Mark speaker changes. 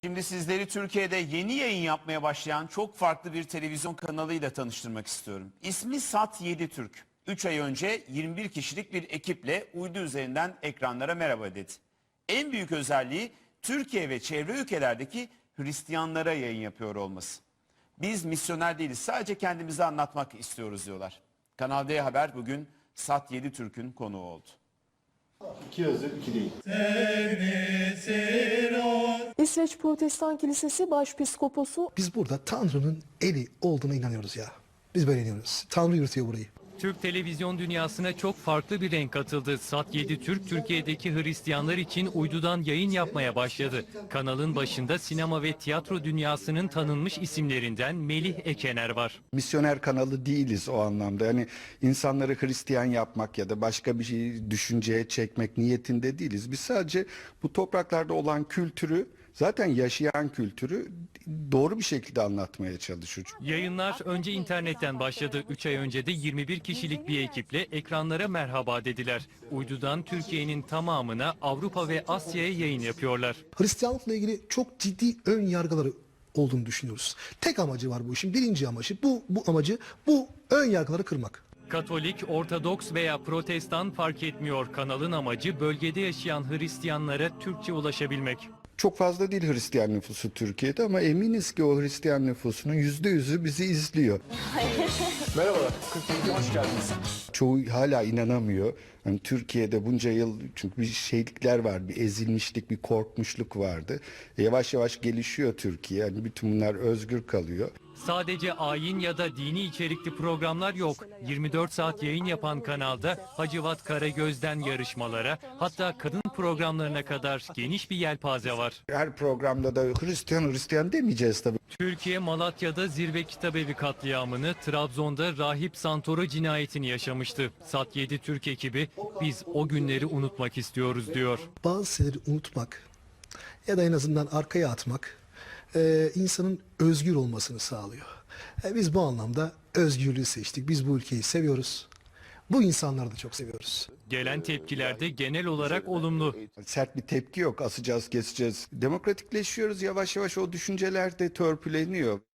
Speaker 1: Şimdi sizleri Türkiye'de yeni yayın yapmaya başlayan çok farklı bir televizyon kanalıyla tanıştırmak istiyorum. İsmi Sat 7 Türk. 3 ay önce 21 kişilik bir ekiple uydu üzerinden ekranlara merhaba dedi. En büyük özelliği Türkiye ve çevre ülkelerdeki Hristiyanlara yayın yapıyor olması. Biz misyoner değiliz, sadece kendimizi anlatmak istiyoruz diyorlar. Kanal D Haber bugün Sat 7 Türk'ün konuğu oldu.
Speaker 2: İki özür, iki değil.
Speaker 3: İsveç Protestan Kilisesi Başpiskoposu
Speaker 4: Biz burada Tanrı'nın eli olduğuna inanıyoruz ya. Biz böyle inanıyoruz. Tanrı yürütüyor burayı.
Speaker 5: Türk televizyon dünyasına çok farklı bir renk katıldı. Sat 7 Türk, Türkiye'deki Hristiyanlar için uydudan yayın yapmaya başladı. Kanalın başında sinema ve tiyatro dünyasının tanınmış isimlerinden Melih Ekener var.
Speaker 6: Misyoner kanalı değiliz o anlamda. Yani insanları Hristiyan yapmak ya da başka bir şey düşünceye çekmek niyetinde değiliz. Biz sadece bu topraklarda olan kültürü, zaten yaşayan kültürü doğru bir şekilde anlatmaya çalışıyoruz.
Speaker 5: Yayınlar önce internetten başladı. 3 ay önce de 21 kişilik bir ekiple ekranlara merhaba dediler. Uydudan Türkiye'nin tamamına, Avrupa ve Asya'ya yayın yapıyorlar.
Speaker 4: Hristiyanlıkla ilgili çok ciddi ön yargıları olduğunu düşünüyoruz. Tek amacı var bu işin. Birinci amacı bu ön yargıları kırmak.
Speaker 5: Katolik, Ortodoks veya Protestan fark etmiyor. Kanalın amacı bölgede yaşayan Hristiyanlara Türkçe ulaşabilmek.
Speaker 6: Çok fazla değil Hristiyan nüfusu Türkiye'de ama eminiz ki o Hristiyan nüfusunun %100'ü bizi izliyor.
Speaker 1: Merhabalar, 47 hoş geldiniz.
Speaker 6: Çoğu hala inanamıyor. Hani Türkiye'de bunca yıl çünkü bir şeylikler var, bir ezilmişlik, bir korkmuşluk vardı. Yavaş yavaş gelişiyor Türkiye. Yani bütün bunlar özgür kalıyor.
Speaker 5: Sadece ayin ya da dini içerikli programlar yok. 24 saat yayın yapan kanalda Hacivat Karagöz'den yarışmalara, hatta kadın programlarına kadar geniş bir yelpaze var.
Speaker 6: Her programda da Hristiyan demeyeceğiz tabii.
Speaker 5: Türkiye, Malatya'da Zirve Kitabevi katliamını, Trabzon'da Rahip Santoro cinayetini yaşamıştı. Sat 7 Türk ekibi, biz o günleri unutmak istiyoruz diyor.
Speaker 4: Bazı şeyleri unutmak ya da en azından arkaya atmak insanın özgür olmasını sağlıyor. Biz bu anlamda özgürlüğü seçtik. Biz bu ülkeyi seviyoruz. Bu insanları da çok seviyoruz.
Speaker 5: Gelen tepkiler de genel olarak olumlu.
Speaker 6: Sert bir tepki yok. Asacağız, keseceğiz. Demokratikleşiyoruz yavaş yavaş, o düşünceler de törpüleniyor.